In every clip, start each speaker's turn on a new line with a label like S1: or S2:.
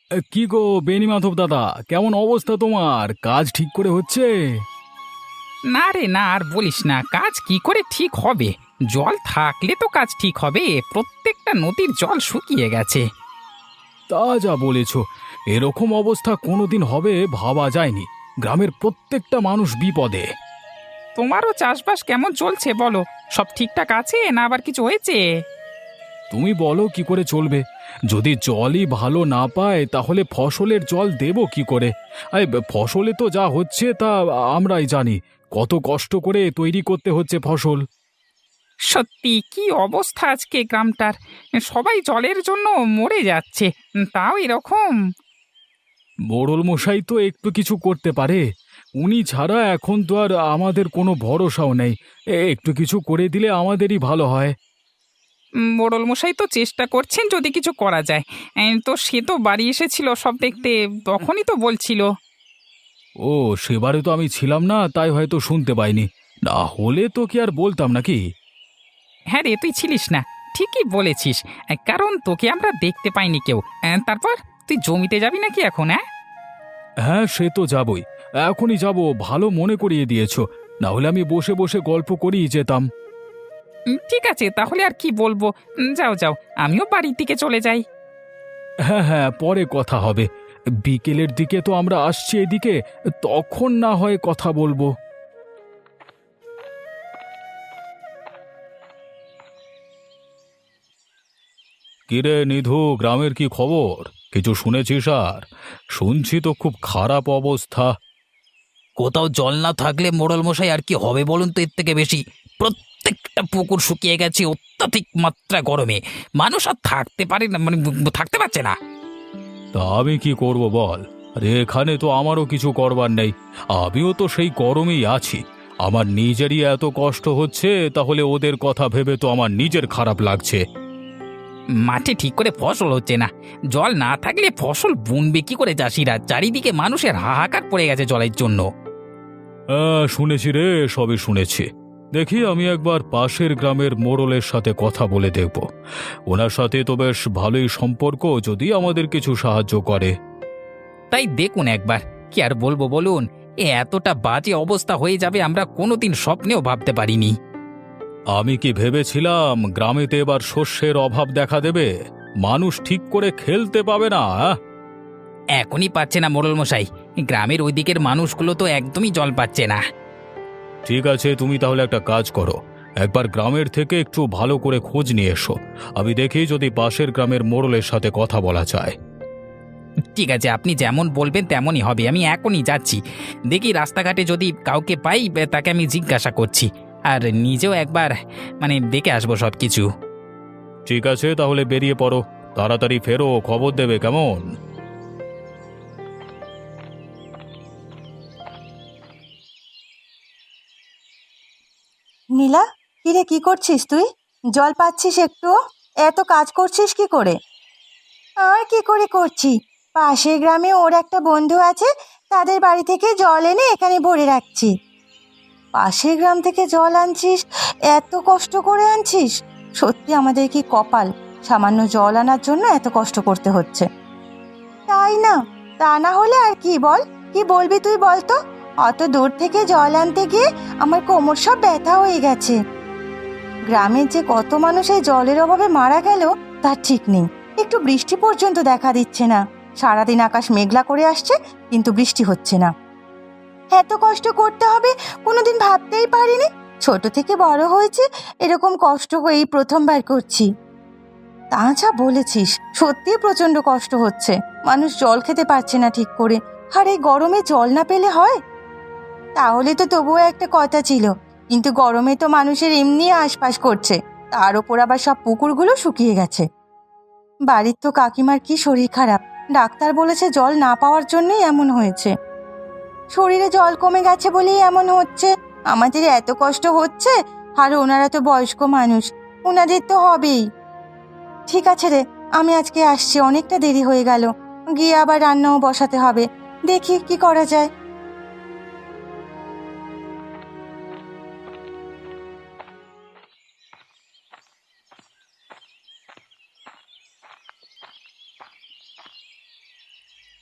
S1: কি গো বেনি মাধব দাদা, কেমন অবস্থা তোমার? কাজ ঠিক করে হচ্ছে?
S2: না রে না, আর বলিস না, কাজ কি করে ঠিক হবে? জল থাকলে তো কাজ ঠিক হবে। প্রত্যেকটা নদীর জল শুকিয়ে গেছে।
S1: তা যা বলেছ, এরকম অবস্থা কোনোদিন হবে ভাবা যায়নি। গ্রামের প্রত্যেকটা মানুষ বিপদে।
S2: তোমারও চাষবাস কেমন চলছে বলো? সব ঠিকঠাক আছে না আবার কিছু হয়েছে?
S1: তুমি বলো কি করে চলবে? যদি জলই ভালো না পায় তাহলে ফসলের জল দেবো কি করে? ফসলে তো যা হচ্ছে তা আমরাই জানি। কত কষ্ট করে তৈরি করতে হচ্ছে ফসল।
S2: সত্যি কি অবস্থা আজকে গ্রামটার! সবাই জলের জন্য মরে যাচ্ছে, তাও এরকম।
S1: মোড়ল মশাই তো একটু কিছু করতে পারে। উনি ছাড়া এখন তো আর আমাদের কোনো ভরসাও নেই। একটু কিছু করে দিলে আমাদেরই ভালো হয়।
S2: মোড়ল মশাই তো চেষ্টা করছেন যদি কিছু করা যায়। তো সে তো বাড়ি এসেছিল সব দেখতে, তখনই তো বলছিল।
S1: ও, সেবারে তো আমি ছিলাম না, তাই হয়তো শুনতে পাইনি। না হলে তো কি আর বলতাম নাকি?
S2: হ্যাঁ রে, তুই ছিলিস না, ঠিকই বলেছিস। কারণ তোকে আমরা দেখতে পাইনি কেউ। তারপর তুই জমিতে যাবি নাকি এখন? হ্যাঁ,
S1: হ্যাঁ, সে তো যাবই। এখনই যাব, ভালো মনে করিয়ে দিয়েছো। না হলে আমি বসে বসে গল্প করেই যেতাম।
S2: ঠিক আছে তাহলে আর কি বলবো। যাও যাও, আমিও বাড়ির দিকে চলে যাই।
S1: হ্যাঁ হ্যাঁ, পরে কথা হবে। বিকেলের দিকে তো আমরা আসছি এদিকে, তখন না হয় কথা বলবো। কিরে নিধু, গ্রামের কি খবর? কিছু শুনেছিস? আর শুনছি তো খুব খারাপ অবস্থা।
S2: কোথাও জল না থাকলে মোড়ল মশাই আর কি হবে বলুন তো? এর থেকে বেশি প্রত্যেকটা পুকুর শুকিয়ে গেছে অত্যাধিক মাত্রা গরমে। মানুষ আর থাকতে পারে না, মানে থাকতে পারছে না।
S1: তা আমি কি করব বল? আরে এখানে তো আমারও কিছু করবার নেই। আমিও তো সেই গরমেই আছি। আমার নিজেরই এত কষ্ট হচ্ছে, তাহলে ওদের কথা ভেবে তো আমার নিজের খারাপ লাগছে।
S2: মাঠে ঠিক করে ফসল হচ্ছে না। জল না থাকলে ফসল বুনবে কি করে চাষিরা? চারিদিকে মানুষের হাহাকার পড়ে গেছে জলের জন্য।
S1: শুনেছি রে, সবই শুনেছি। দেখি আমি একবার পাশের গ্রামের মোড়লের সাথে কথা বলে দেখব। ওনার সাথে তো বেশ ভালোই সম্পর্ক, যদি আমাদের কিছু সাহায্য করে।
S2: তাই দেখুন একবার, কি আর বলবো বলুন। এতটা বাজে অবস্থা হয়ে যাবে আমরা কোনোদিন স্বপ্নেও ভাবতে পারিনি।
S1: আমি কি ভেবেছিলাম গ্রামেতে এবার শস্যের অভাব দেখা দেবে? মানুষ ঠিক করে খেলতে পাবে না, আহ?
S2: এখনই পাচ্ছে না মোড়ল মশাই, গ্রামের ওই দিকের মানুষগুলো তো একদমই জল পাচ্ছে না।
S1: ঠিক আছে, তুমি তাহলে একটা কাজ করো। একবার গ্রামের থেকে একটু ভালো করে খোঁজ নিয়ে এসো। আমি দেখি যদি পাশের গ্রামের মোড়লের সাথে কথা বলা যায়।
S2: ঠিক আছে, আপনি যেমন বলবেন তেমনই হবে। আমি এখনই যাচ্ছি, দেখি রাস্তাঘাটে যদি কাউকে পাই তাকে আমি জিজ্ঞাসা করছি। আর নিজেও একবার দেখে আসবো সব কিছু।
S1: ঠিক আছে, তাহলে বেরিয়ে পড়ো। তাড়াতাড়ি ফেরো, খবর দেবে কেমন?
S3: নীলা, কিরে কি করছিস তুই? জল পাচ্ছিস একটু? এত কাজ করছিস কি করে? আর কি করে করছি, পাশের গ্রামে ওর একটা বন্ধু আছে, তাদের বাড়ি থেকে জল এনে এখানে ভরে রাখছি। পাশের গ্রাম থেকে জল আনছিস? এত কষ্ট করে আনছিস? সত্যি আমাদের কি কপাল, সামান্য জল আনার জন্য এত কষ্ট করতে হচ্ছে। তাই না? তা না হলে আর কি বল? কি বলবি তুই বল তো? অত দূর থেকে জল আনতে গিয়ে আমার কোমর সব ব্যথা হয়ে গেছে। গ্রামের যে কত মানুষ এই জলের অভাবে মারা গেল তার ঠিক নেই। একটু বৃষ্টি পর্যন্ত দেখা দিচ্ছে না। সারাদিন আকাশ মেঘলা করে আসছে, কিন্তু বৃষ্টি হচ্ছে না। এত কষ্ট করতে হবে কোনোদিন ভাবতেই পারিনি। ছোট থেকে বড় হয়েছে, এরকম কষ্ট এই প্রথমবার করছি। তা যা বলেছিস, সত্যি প্রচন্ড কষ্ট হচ্ছে। মানুষ জল খেতে পারছে না ঠিক করে, আর এই গরমে জল না পেলে হয়? তাহলে তো তবুও একটা কথা ছিল, কিন্তু গরমে তো মানুষের এমনি আশপাশ করছে, তার ওপর আবার সব পুকুরগুলো শুকিয়ে গেছে। বাড়ির তো কাকিমার কি শরীর খারাপ, ডাক্তার বলেছে জল না পাওয়ার জন্যই এমন হয়েছে। শরীরে জল কমে গেছে বলেই এমন হচ্ছে। আমাদের এত কষ্ট হচ্ছে, আর ওনারা তো বয়স্ক মানুষ, ওনাদের তো হবেই। ঠিক আছে রে, আমি আজকে আসছি, অনেকটা দেরি হয়ে গেল, গিয়ে আবার রান্নাও বসাতে হবে। দেখি কি করা যায়।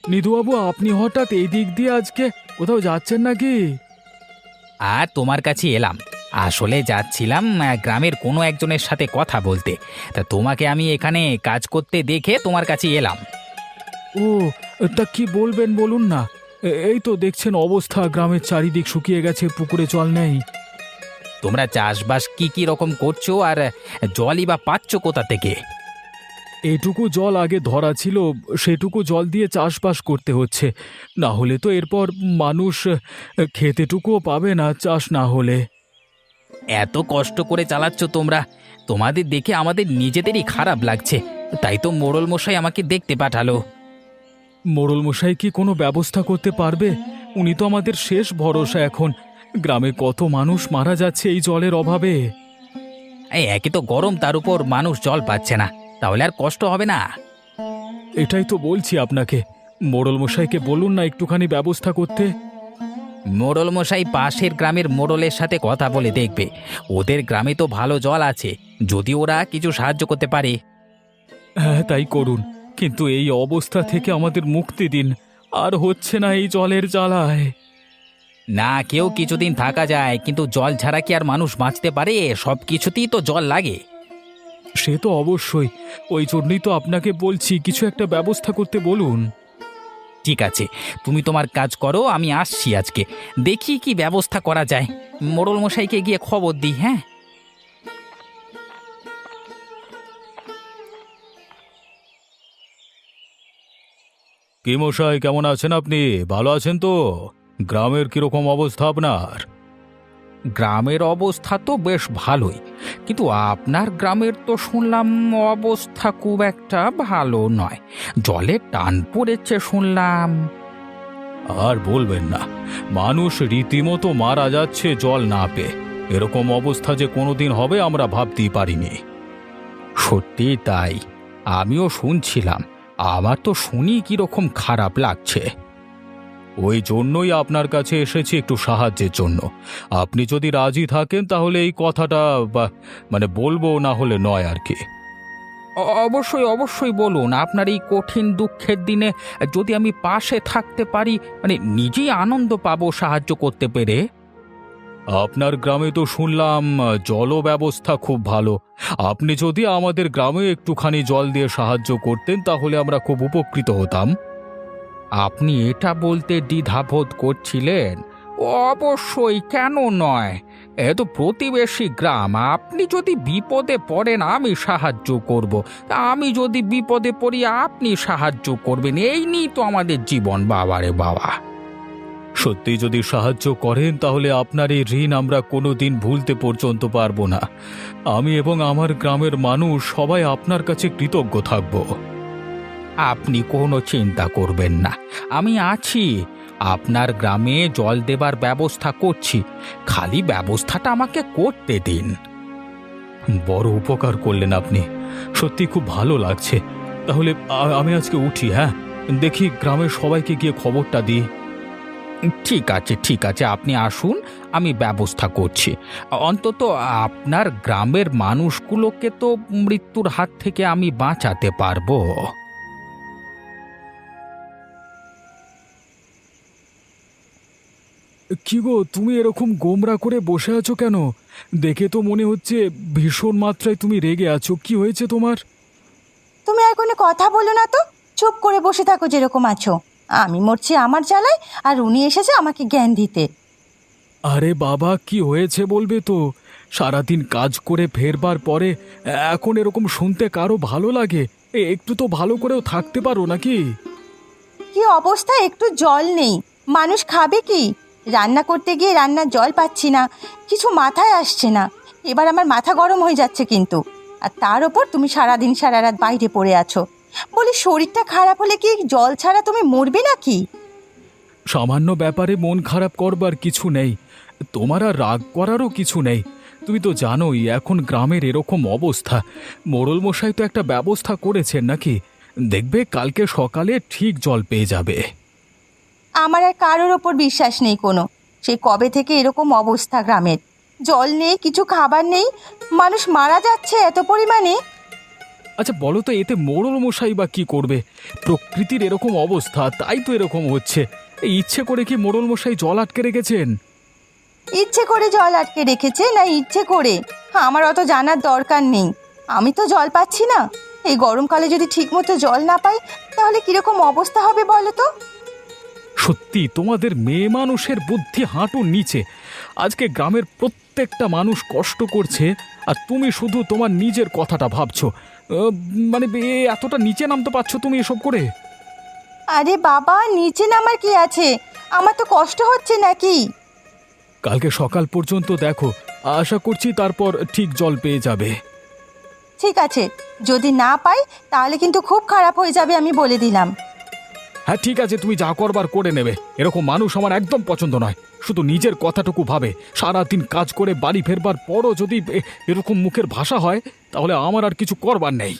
S1: নিধুবাবু, আপনি হঠাৎ এই দিক দিয়ে আজকে কোথাও যাচ্ছেন নাকি?
S2: আর তোমার কাছে এলাম, আসলে যাচ্ছিলাম গ্রামের কোনো একজনের সাথে কথা বলতে। তা তোমাকে আমি এখানে কাজ করতে দেখে তোমার কাছে এলাম।
S1: ও, তা কি বলবেন বলুন না। এই তো দেখছেন অবস্থা, গ্রামের চারিদিক শুকিয়ে গেছে, পুকুরে জল নেই।
S2: তোমরা চাষবাস কি কি রকম করছো, আর জলই বা পাচ্ছ কোথা থেকে?
S1: এইটুকু জল আগে ধরা ছিল, সেটুকু জল দিয়ে চাষবাস করতে হচ্ছে। না হলে তো এরপর মানুষ খেতেটুকুও পাবে না চাষ না হলে।
S2: এত কষ্ট করে চালাচ্ছ তোমরা, তোমাদের দেখে আমাদের নিজেদেরই খারাপ লাগছে। তাই তো মোড়ল মশাই আমাকে দেখতে পাঠালো।
S1: মোড়ল মশাই কি কোনো ব্যবস্থা করতে পারবে? উনি তো আমাদের শেষ ভরসা এখন। গ্রামে কত মানুষ মারা যাচ্ছে এই জলের অভাবে।
S2: এই একে তো গরম, তার উপর মানুষ জল পাচ্ছে না, তাহলে আর কষ্ট হবে না?
S1: এটাই তো বলছি আপনাকে, মোড়ল মশাইকে বলুন না একটুখানি ব্যবস্থা করতে।
S2: মোড়ল মশাই পাশের গ্রামের মোড়লের সাথে কথা বলে দেখবে। ওদের গ্রামে তো ভালো জল আছে, যদি ওরা কিছু সাহায্য করতে পারে।
S1: হ্যাঁ, তাই করুন, কিন্তু এই অবস্থা থেকে আমাদের মুক্তি দিন। আর হচ্ছে না এই জলের জ্বালায়।
S2: না, কেউ কিছুদিন থাকা যায়, কিন্তু জল ছাড়া কি আর মানুষ বাঁচতে পারে? সব কিছুতেই তো জল লাগে।
S1: সে তো অবশ্যই, ওই জন্যই তো আপনাকে বলছি কিছু একটা ব্যবস্থা করতে বলুন।
S2: ঠিক আছে, তুমি তোমার কাজ করো, আমি আসছি আজকে, দেখি কি ব্যবস্থা করা যায়। মোড়ল মশাইকে গিয়ে খবর দিই। হ্যাঁ,
S1: কি মশাই, কেমন আছেন আপনি? ভালো আছেন তো? গ্রামের কিরকম অবস্থা আপনার?
S2: গ্রামের অবস্থা তো বেশ ভালোই, কিন্তু আপনার গ্রামের তো শুনলাম অবস্থা খুব একটা ভালো নয়। জলে টান পড়েছে শুনলাম।
S1: আর বলবেন না, মানুষ রীতিমতো মারা যাচ্ছে জল না পেয়ে। এরকম অবস্থা যে কোনোদিন হবে আমরা ভাবতেই পারিনি।
S2: সত্যি তাই, আমিও শুনছিলাম। আমার তো শুনি কিরকম খারাপ লাগছে।
S1: ওই জন্যই আপনার কাছে এসেছি একটু সাহায্যের জন্য। আপনি যদি রাজি থাকেন তাহলে এই কথাটা বলবো, না হলে নয় আর কি।
S2: অবশ্যই অবশ্যই বলুন, আপনার এই কঠিন দুঃখের দিনে যদি আমি পাশে থাকতে পারি, নিজেই আনন্দ পাবো সাহায্য করতে পেরে।
S1: আপনার গ্রামে তো শুনলাম জল ব্যবস্থা খুব ভালো। আপনি যদি আমাদের গ্রামে একটুখানি জল দিয়ে সাহায্য করতেন তাহলে আমরা খুব উপকৃত হতাম।
S2: আপনি এটা বলতে দ্বিধাবোধ করছিলেন? অবশ্যই, কেন নয়? এ তো প্রতিবেশী গ্রাম, আপনি যদি বিপদে পড়েন আমি সাহায্য করব, আমি যদি বিপদে পড়ি আপনি সাহায্য করবেন, এই নিয়ে তো আমাদের জীবন। বাবারে বাবা!
S1: সত্যি যদি সাহায্য করেন তাহলে আপনার এই ঋণ আমরা কোনোদিন ভুলতে পর্যন্ত পারবো না। আমি এবং আমার গ্রামের মানুষ সবাই আপনার কাছে কৃতজ্ঞ থাকব।
S2: আপনি কোনো চিন্তা করবেন না, আমি আছি। আপনার গ্রামে জল দেবার ব্যবস্থা করছি, খালি ব্যবস্থাটা আমাকে করতে দিন।
S1: বড় উপকার করলেন আপনি, সত্যি খুব ভালো লাগছে। তাহলে আমি আজকে উঠি। হ্যাঁ, দেখি গ্রামের সবাইকে গিয়ে খবরটা দিই।
S2: ঠিক আছে ঠিক আছে, আপনি আসুন, আমি ব্যবস্থা করছি। অন্তত আপনার গ্রামের মানুষগুলোকে তো মৃত্যুর হাত থেকে আমি বাঁচাতে পারবো।
S1: কি গো, তুমি এরকম গোমরা করে বসে আছো কেন? দেখে তো মনে হচ্ছে ভীষণ মাত্রায় তুমি রেগে আছো। কি হয়েছে তোমার?
S3: তুমি আর কোনো কথা বলো না তো, চুপ করে বসে থাকো যেরকম আছো। আমি মরছি আমার জ্বালায়, আর উনি এসেছে আমাকে জ্ঞান দিতে।
S1: আরে বাবা, কি হয়েছে বলবে তো? সারাদিন কাজ করে ফেরবার পরে এখন এরকম শুনতে কারো ভালো লাগে? একটু তো ভালো করেও থাকতে পারো নাকি?
S3: কি অবস্থা, একটু জল নেই, মানুষ খাবে কি? রান্না করতে গিয়ে রান্নার জল পাচ্ছি না, কিছু মাথায় আসছে না। এবার আমার মাথা গরম হয়ে যাচ্ছে কিন্তু। আর তার ওপর তুমি সারাদিন সারা রাত বাইরে পড়ে আছো। বলি, শরীরটা খারাপ হলে কি জল ছাড়া তুমি মরবে নাকি?
S1: সামান্য ব্যাপারে মন খারাপ করবার কিছু নেই, তোমার আর রাগ করারও কিছু নেই। তুমি তো জানোই এখন গ্রামের এরকম অবস্থা। মোড়ল মশাই তো একটা ব্যবস্থা করেছেন নাকি? দেখবে কালকে সকালে ঠিক জল পেয়ে যাবে।
S3: আমার আর কারোর ওপর বিশ্বাস নেই কোনো। সেই কবে থেকে এরকম অবস্থা গ্রামের, জল নেই, কিছু খাবার নেই, মানুষ মারা যাচ্ছে এত পরিমাণে।
S1: আচ্ছা বলো তো, এতে মোড়ল মশাই বা কি করবে? প্রকৃতির এরকম অবস্থা, তাই তো এরকম হচ্ছে। এই ইচ্ছে করে কি মোড়ল মশাই জল আটকে রেখেছেন?
S3: ইচ্ছে করে জল আটকে রেখেছে না ইচ্ছে করে, আমার অত জানার দরকার নেই। আমি তো জল পাচ্ছি না। এই গরমকালে যদি ঠিকমতো জল না পাই তাহলে কিরকম অবস্থা হবে বলো তো?
S1: সত্যি তোমাদের মেয়ে মানুষের বুদ্ধি হাঁটুর নিচে। আজকে গ্রামের প্রত্যেকটা মানুষ কষ্ট করছে, আর তুমি শুধু তোমার নিজের কথাটা ভাবছো। মানে এতটা নিচে নামতে পারছো তুমি এসব করে?
S3: আরে বাবা, নিচে নামার কি আছে? আমার তো কষ্ট হচ্ছে নাকি?
S1: কালকে সকাল পর্যন্ত দেখো, আশা করছি তারপর ঠিক জল পেয়ে যাবে।
S3: ঠিক আছে, যদি না পাই তাহলে কিন্তু খুব খারাপ হয়ে যাবে, আমি বলে দিলাম।
S1: হ্যাঁ ঠিক আছে, তুমি যা করবার করে নেবে। এরকম মানুষ আমার একদম পছন্দ নয়। শুধু নিজের কথাটুকু ভাবে, সারাদিন কাজ করে বাড়ি ফেরবার পরও যদি এরকম মুখের ভাষা হয়, তাহলে আমার আর কিছু করবার নেই।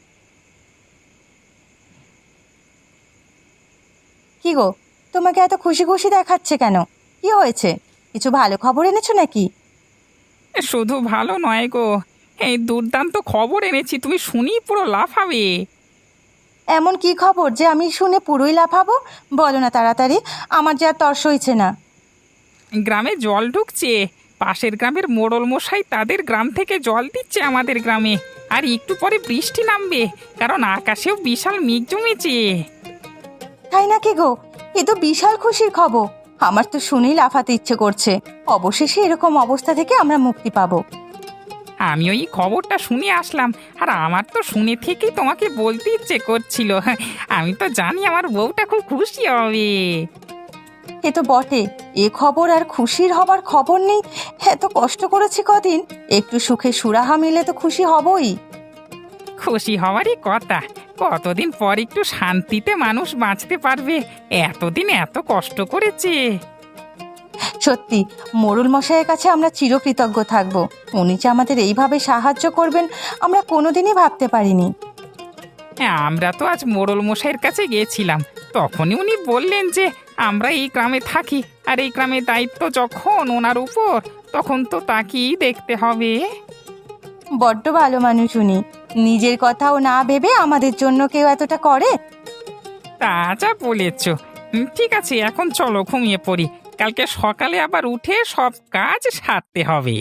S3: কি গো, তোমাকে এত খুশি খুশি দেখাচ্ছে কেন? কি হয়েছে? কিছু ভালো খবর এনেছো নাকি?
S2: শুধু ভালো নয় গো, এই দুর্দান্ত খবর এনেছি, তুমি শুনি পুরো লাফাবে।
S3: এমন কি খবর যে আমি শুনে পুরোই লাফাবো? বলো না তাড়াতাড়ি, আমার যে আর তর্স হয়েছে না।
S2: গ্রামে জল ঢুকছে, পাশের গ্রামের মোড়ল মশাই তাদের গ্রাম থেকে জল দিচ্ছে আমাদের গ্রামে। আর একটু পরে বৃষ্টি নামবে, কারণ আকাশেও বিশাল মেঘ জমেছে।
S3: তাই নাকি গো? এ তো বিশাল খুশির খবর। আমার তো শুনেই লাফাতে ইচ্ছে করছে। অবশেষে এরকম অবস্থা থেকে আমরা মুক্তি পাবো।
S2: আমি ওই খবরটা শুনে আসলাম, আর আমার তো শুনে থেকেই তোমাকে বলতে ইচ্ছে করছিল। আমি তো জানি আমার বউটা খুব খুশি হবে।
S3: এ তো বটে, এ খবর আর খুশির হবার খবর নেই। এত কষ্ট করেছি কদিন, একটু সুখে সুরাহা মিলে তো খুশি হবই।
S2: খুশি হওয়ারই কথা। কতদিন পর একটু শান্তিতে মানুষ বাঁচতে পারবে, এতদিন এত কষ্ট করেছে।
S3: সত্যি, মোড়ল মশাইয়ের কাছে আমরা চিরকৃতজ্ঞ থাকব। উনি যে আমাদের এইভাবে সাহায্য করবেন আমরা কোনোদিনই ভাবতে পারিনি।
S2: হ্যাঁ, আমরা তো আজ মোড়ল মশাইয়ের কাছে গিয়েছিলাম, তখনই উনি বললেন যে আমরা এই গ্রামে থাকি, আর এই গ্রামের দায়িত্ব যখন ওনার উপর, তখন তো তাকেই দেখতে হবে।
S3: বড্ড ভালো মানুষ উনি। নিজের কথাও না ভেবে আমাদের জন্য কেউ এতটা করে।
S2: তা যা বলেছ। ঠিক আছে, এখন চলো ঘুমিয়ে পড়ি, কালকে সকালে আবার উঠে সব কাজ সারতে হবে।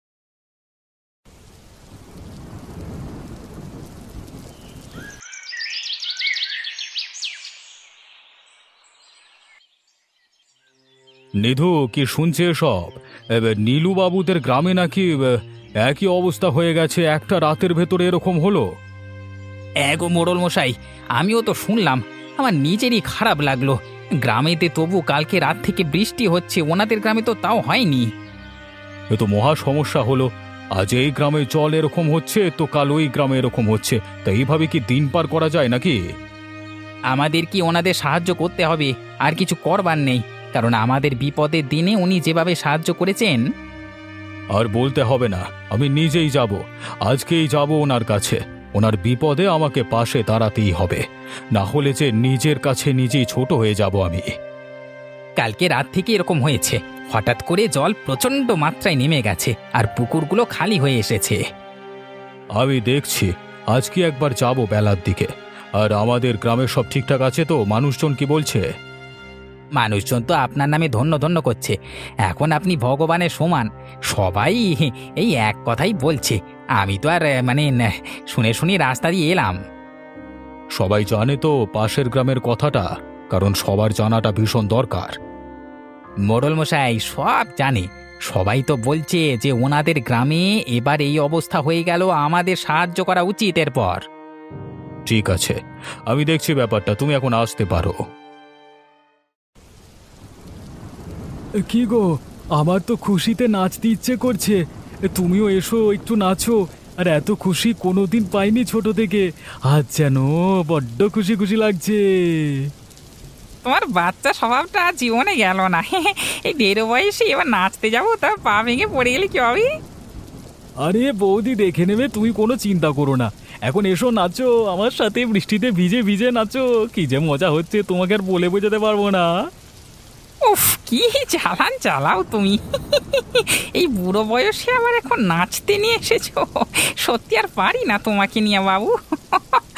S1: নিধু, কি শুনছে সব? নীলু বাবুদের গ্রামে নাকি একই অবস্থা হয়ে গেছে, একটা রাতের ভেতরে এরকম হলো।
S2: এগো মোড়ল মশাই, আমিও তো শুনলাম, আমার নিজেরই খারাপ লাগলো। গ্রামেতে তবু কালকে রাত থেকে বৃষ্টি হচ্ছে, ওনাদের গ্রামে তো তাও হয়নি।
S1: এ তো মহা সমস্যা হলো। আজ এই গ্রামে জল এরকম হচ্ছে, তো কাল ওই গ্রামে এরকম হচ্ছে। তা এইভাবে কি দিন পার করা যায় নাকি?
S2: আমাদের কি ওনাদের সাহায্য করতে হবে, আর কিছু করবার নেই, কারণ আমাদের বিপদের দিনে উনি যেভাবে সাহায্য করেছেন।
S1: আর বলতে হবে না, আমি নিজেই যাব। আজকেই যাব ওনার কাছে। ওনার বিপদে আমাকে পাশে দাঁড়াতেই হবে, না হলে যে নিজের কাছে নিজেই ছোট হয়ে যাব আমি।
S2: কালকে রাত থেকে এরকম হয়েছে, হঠাৎ করে জল প্রচণ্ড মাত্রায় নেমে গেছে, আর পুকুরগুলো খালি হয়ে এসেছে।
S1: আমি দেখছি, আজকে একবার যাব বেলার দিকে। আর আমাদের গ্রামে সব ঠিকঠাক আছে তো? মানুষজন কি বলছে?
S2: মানুষজন তো আপনার নামে ধন্য ধন্য করছে, এখন আপনি ভগবানের সমান। সবাই এই এক কথাই বলছে। আমি তো আর শুনে শুনে রাস্তা দিয়ে এলাম।
S1: সবাই জানে তো পাশের গ্রামের কথাটা? কারণ সবার জানাটা ভীষণ দরকার।
S2: মোড়ল মশাই সব জানে, সবাই তো বলছে যে ওনাদের গ্রামে এবার এই অবস্থা হয়ে গেল, আমাদের সাহায্য করা উচিত এরপর।
S1: ঠিক আছে, আমি দেখছি ব্যাপারটা, তুমি এখন আসতে পারো। কি গো, আমার তো খুশিতে নাচতে ইচ্ছে করছে। তুমিও এসো, একটু নাচো। আর এত খুশি কোনোদিন পাইনি ছোট থেকে। আজ যেন বড্ড খুশি খুশি লাগছে।
S2: তোমার বাচ্চা স্বভাবটা জীবনে গেল না। এই দেড় বয়সে এবার নাচতে যাবো, তা পা ভেঙে পড়ে গেলে কি হবে?
S1: আরে বৌদি দেখে নেবে, তুমি কোনো চিন্তা করো না। এখন এসো, নাচো আমার সাথে, বৃষ্টিতে ভিজে ভিজে নাচো। কি যে মজা হচ্ছে তোমাকে আর বলে বোঝাতে পারবো না।
S2: উফ, কি চালান চালাও তুমি! এই বুড়ো বয়সে আবার এখন নাচতে নিয়ে এসেছো, সত্যি আর পারি না তোমাকে নিয়ে বাবু।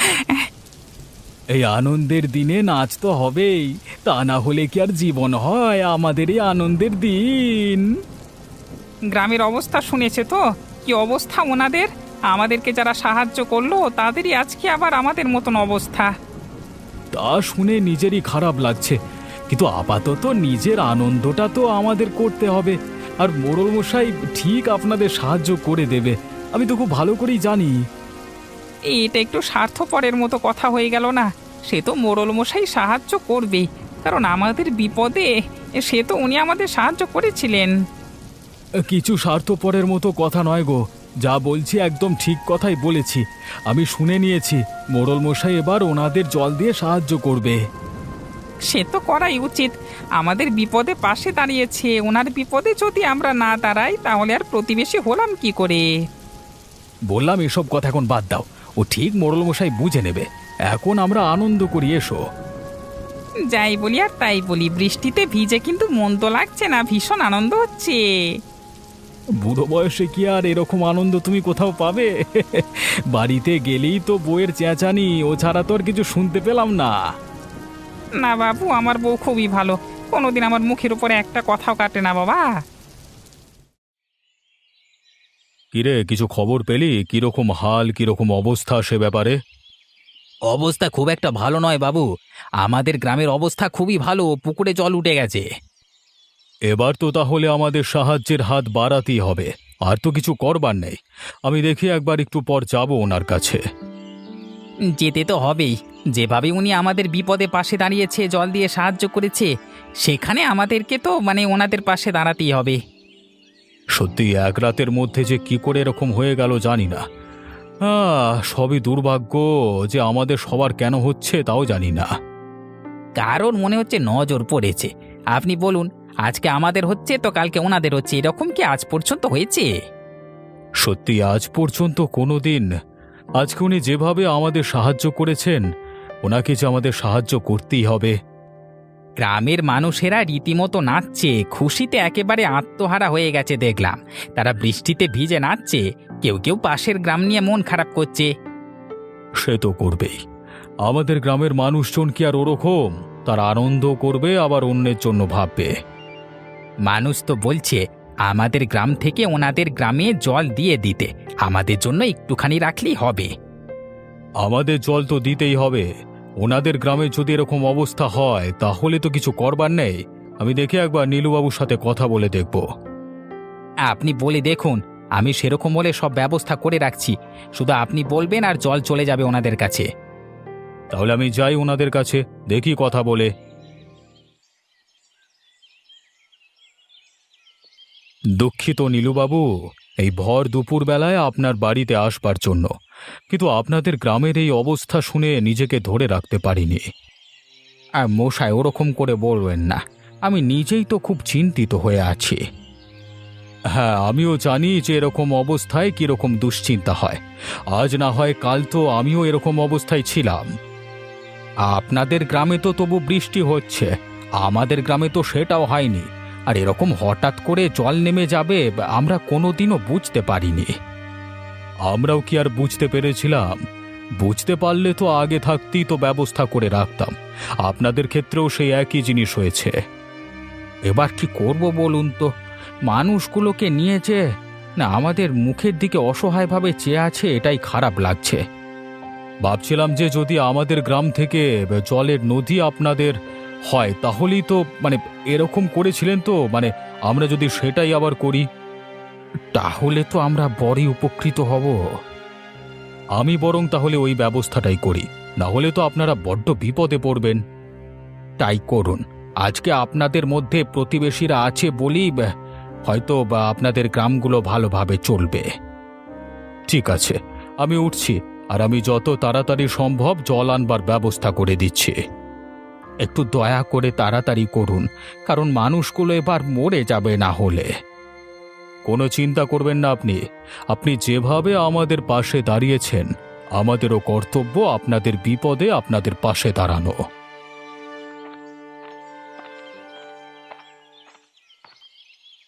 S1: এই আনন্দের দিনে নাচ তো হবেই, তা না হলে কি আর জীবন হয় আমাদের এই আনন্দের দিন।
S4: গ্রামের অবস্থা শুনেছে তো, কি অবস্থা ওনাদের? আমাদেরকে যারা সাহায্য করলো তাদেরই আজকে আবার আমাদের মতন অবস্থা।
S1: তা শুনে নিজেরই খারাপ লাগছে, কিন্তু আপাতত নিজের আনন্দটা তো আমাদের করতে হবে। আর মোড়ল মশাই ঠিক আপনাদের সাহায্য করে দেবে, আমি তো খুব ভালো করেই জানি।
S4: এটা একটু স্বার্থপরের মতো কথা হয়ে গেল না? সে তো মোড়ল মশাই সাহায্য করবেই, কারণ আমাদের বিপদে সে তো উনি আমাদের সাহায্য করেছিলেন।
S1: কিছু স্বার্থপরের মতো কথা নয় গো, যা বলছি একদম ঠিক কথাই বলেছি। আমি শুনে নিয়েছি, মোড়ল মশাই এবার ওনাদের জল দিয়ে সাহায্য করবে।
S4: সে তো করাই উচিত, আমাদের বিপদে পাশে দাঁড়িয়েছে। ওনার বিপদে যদি আমরা না দাঁড়াই তাহলে আর প্রতিবেশী হলাম কি করে?
S1: বললাম এসব কথা এখন বাদ দাও, ও ঠিক মোড়ল মশাই বুঝে নেবে। এখন আমরা আনন্দ করি, এসো।
S4: যাই বলি আর তাই বলি, বৃষ্টিতে ভিজে কিন্তু মন তো লাগছে না, ভীষণ আনন্দ হচ্ছে।
S1: বুড়ো বয়সে কি আর এরকম আনন্দ তুমি কোথাও পাবে? বাড়িতে গেলেই তো বউয়ের চেঁচানি, ও ছাড়া তো আর কিছু শুনতে পেলাম না।
S4: না বাবু, আমার বউ খুবই ভালো, কোনোদিন আমার মুখের উপরে একটা কথাও কাটে না বাবা।
S1: কিরে, কিছু খবর পেলি? কিরকম হাল, কিরকম অবস্থা সে ব্যাপারে?
S2: অবস্থা খুব একটা ভালো নয় বাবু। আমাদের গ্রামের অবস্থা খুবই ভালো, পুকুরে জল উঠে গেছে।
S1: এবার তো তাহলে আমাদের সাহায্যের হাত বাড়াতেই হবে, আর তো কিছু করবার নেই। আমি দেখি একবার একটু পর যাব ওনার কাছে।
S2: যেতে তো হবেই, যেভাবে উনি আমাদের বিপদে পাশে দাঁড়িয়েছে, জল দিয়ে সাহায্য করেছে, সেখানে আমাদেরকে তো ওনাদের পাশে দাঁড়াতেই হবে।
S1: সত্যি এক রাতের মধ্যে যে কি করে এরকম হয়ে গেল জানি না। সবই দুর্ভাগ্য, যে আমাদের সবার কেন হচ্ছে তাও জানি না।
S2: কারণ মনে হচ্ছে নজর পড়েছে। আপনি বলুন, আজকে আমাদের হচ্ছে তো কালকে ওনাদের হচ্ছে, এরকম কি আজ পর্যন্ত হয়েছে?
S1: সত্যি আজ পর্যন্ত কোনো দিন। আজকে উনি যেভাবে আমাদের সাহায্য করেছেন, ওনাকে যে আমাদের সাহায্য করতেই হবে।
S2: গ্রামের মানুষেরা রীতিমতো নাচছে, খুশিতে একেবারে আত্মহারা হয়ে গেছে দেখলাম। তারা বৃষ্টিতে ভিজে নাচছে, কেউ কেউ পাশের গ্রাম নিয়ে মন খারাপ করছে।
S1: সে তো করবেই, আমাদের গ্রামের মানুষজন কি আর ওরকম? তারা আনন্দ করবে, আবার অন্যের জন্য ভাববে।
S2: মানুষ তো বলছে আমাদের গ্রাম থেকে ওনাদের গ্রামে জল দিয়ে দিতে, আমাদের জন্য একটুখানি রাখলেই হবে।
S1: আমাদের জল তো দিতেই হবে। ওনাদের গ্রামে যদি এরকম অবস্থা হয় তাহলে তো কিছু করবার নেই। আমি দেখে একবার নীলুবাবুর সাথে কথা বলে দেখব।
S2: আপনি বলে দেখুন, আমি সেরকম হলে সব ব্যবস্থা করে রাখছি। শুধু আপনি বলবেন আর জল চলে যাবে ওনাদের কাছে।
S1: তাহলে আমি যাই ওনাদের কাছে, দেখি কথা বলে। দুঃখিত নীলুবাবু, এই ভর দুপুর বেলায় আপনার বাড়িতে আসবার জন্য, কিন্তু আপনাদের গ্রামের এই অবস্থা শুনে নিজেকে ধরে রাখতে পারিনি।
S2: আর মশাই, ওরকম করে বলবেন না, আমি নিজেই তো খুব চিন্তিত হয়ে আছি।
S1: হ্যাঁ, আমিও জানি যে এরকম অবস্থায় কিরকম দুশ্চিন্তা হয়। আজ না হয় কাল তো আমিও এরকম অবস্থায় ছিলাম।
S2: আপনাদের গ্রামে তো তবু বৃষ্টি হচ্ছে, আমাদের গ্রামে তো সেটাও হয়নি। আর এরকম হঠাৎ করে জল নেমে যাবে আমরা কোনোদিনও বুঝতে পারিনি।
S1: আমরাও কি আর বুঝতে পেরেছিলাম? বুঝতে পারলে তো আগে থাকতেই তো ব্যবস্থা করে রাখতাম। আপনাদের ক্ষেত্রেও সেই একই জিনিস হয়েছে।
S2: এবার কি করব বলুন তো? মানুষগুলোকে নিয়ে যে না আমাদের মুখের দিকে অসহায়ভাবে চেয়ে আছে, এটাই খারাপ লাগছে।
S1: ভাবছিলাম যে যদি আমাদের গ্রাম থেকে জলের নদী আপনাদের হয় তাহলেই তো এরকম করেছিলেন তো, আমরা যদি সেটাই আবার করি
S2: তাহলে তো আমরা বড়ই উপকৃত হব।
S1: আমি বরং তাহলে ওই ব্যবস্থাটাই করি, না হলে তো আপনারা বড্ড বিপদে পড়বেন।
S2: তাই করুন। আজকে আপনাদের মধ্যে প্রতিবেশীরা আছে বলেই হয়তো আপনাদের গ্রামগুলো ভালোভাবে চলবে।
S1: ঠিক আছে, আমি উঠছি, আর আমি যত তাড়াতাড়ি সম্ভব জল আনবার ব্যবস্থা করে দিচ্ছি।
S2: একটু দয়া করে তাড়াতাড়ি করুন, কারণ মানুষগুলো এবার মরে যাবে না হলে।
S1: কোনো চিন্তা করবেন না আপনি। আপনি যেভাবে আমাদের পাশে দাঁড়িয়েছেন, আমাদেরও কর্তব্য আপনাদের বিপদে আপনাদের পাশে দাঁড়ানো।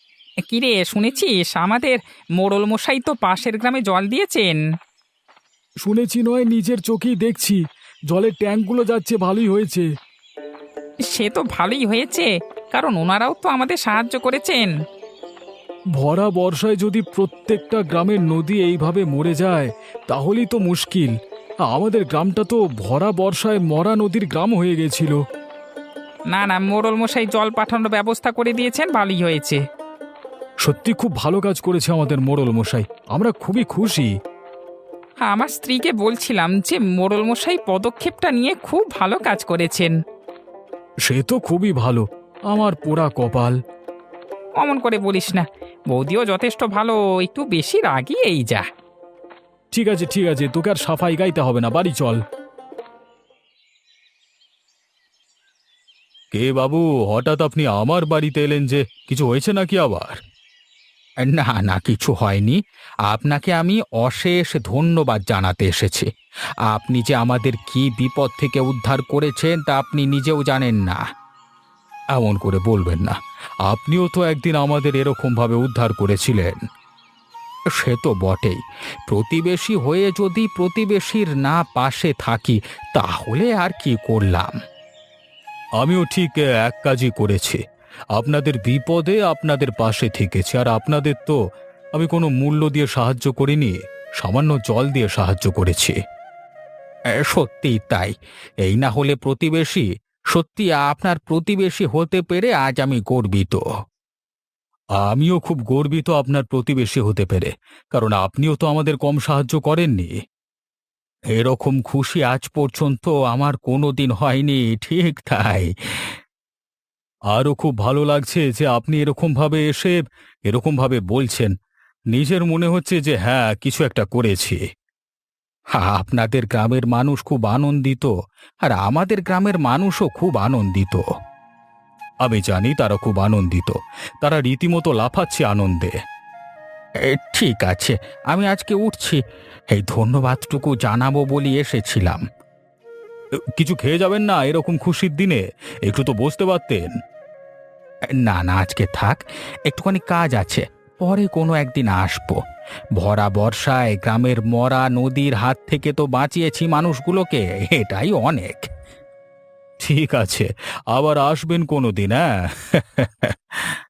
S4: কিরে, শুনেছিস আমাদের মোড়ল মশাই তো পাশের গ্রামে জল দিয়েছেন?
S1: শুনেছি নয়, নিজের চোখেই দেখছি। জলের ট্যাঙ্কগুলো যাচ্ছে, ভালোই হয়েছে।
S4: সে তো ভালোই হয়েছে, কারণ ওনারাও তো আমাদের সাহায্য করেছেন।
S1: ভরা বর্ষায় যদি প্রত্যেকটা গ্রামের নদী এইভাবে মরে যায় তাহলেই তো মুশকিল। আমাদের গ্রামটা তো ভরা বর্ষায় মরা নদীর গ্রাম হয়ে গেছিল।
S4: না না, মোড়ল মশাই জল পাঠানোর ব্যবস্থা করে দিয়েছেন, ভালোই হয়েছে।
S1: সত্যি খুব ভালো কাজ করেছে আমাদের মোড়ল মশাই, আমরা খুবই খুশি।
S4: আমার স্ত্রীকে বলছিলাম যে মোড়ল মশাই পদক্ষেপটা নিয়ে খুব ভালো কাজ করেছেন।
S1: সে তো খুবই ভালো, আমার পোড়া কপাল।
S4: অমন করে বলিস না, বৌদিও যথেষ্ট ভালো, একটু বেশি রাগই এই যা।
S1: ঠিক আছে ঠিক আছে, তোকে আর সাফাই গাইতে হবে না, বাড়ি চল। কে বাবু, হঠাৎ আপনি আমার বাড়িতে এলেন যে? কিছু হয়েছে নাকি আবার?
S2: না না, কিছু হয়নি। আপনাকে আমি অশেষ ধন্যবাদ জানাতে এসেছি। আপনি যে আমাদের কি বিপদ থেকে উদ্ধার করেছেন তা আপনি নিজেও জানেন না।
S1: এমন করে বলবেন না, আপনিও তো একদিন আমাদের এরকম ভাবে উদ্ধার করেছিলেন।
S2: সে তো বটেই, প্রতিবেশী হয়ে যদি প্রতিবেশীর না পাশে থাকি তাহলে আর কি করলাম।
S1: আমিও ঠিক এক কাজই করেছি, আপনাদের বিপদে আপনাদের পাশে থেকেছি। আর আপনাদের তো আমি কোনো মূল্য দিয়ে সাহায্য করিনি, সামান্য জল দিয়ে সাহায্য করেছি।
S2: সত্যিই তাই। এই না হলে প্রতিবেশী, সত্যি আপনার প্রতিবেশী হতে পেরে আজ আমি গর্বিত।
S1: আমিও খুব গর্বিত আপনার প্রতিবেশী হতে পেরে, কারণ আপনিও তো আমাদের কম সাহায্য করেননি।
S2: এরকম খুশি আজ পর্যন্ত আমার কোনোদিন হয়নি। ঠিক তাই।
S1: আরও খুব ভালো লাগছে যে আপনি এরকম ভাবে এসে এরকম ভাবে বলছেন। নিজের মনে হচ্ছে যে হ্যাঁ, কিছু একটা করেছি।
S2: আপনাদের গ্রামের মানুষ খুব আনন্দিত, আর আমাদের গ্রামের মানুষও খুব আনন্দিত।
S1: আমি জানি তারা খুব আনন্দিত, তারা রীতিমতো লাফাচ্ছে আনন্দে।
S2: ঠিক আছে, আমি আজকে উঠছি। এই ধন্যবাদটুকু জানাবো বলি এসেছিলাম।
S1: কিছু খেয়ে যাবেন না এরকম খুশির দিনে? একটু তো বসতে পারতেন।
S2: না না, আজকে থাক, একটুখানি কাজ আছে, পরে কোনো একদিন আসবো। ভরা বর্ষায় গ্রামের মরা নদীর হাত থেকে তো বাঁচিয়েছি মানুষগুলোকে, এটাই অনেক।
S1: ঠিক আছে, আবার আসবেন কোনো দিন, হ্যাঁ।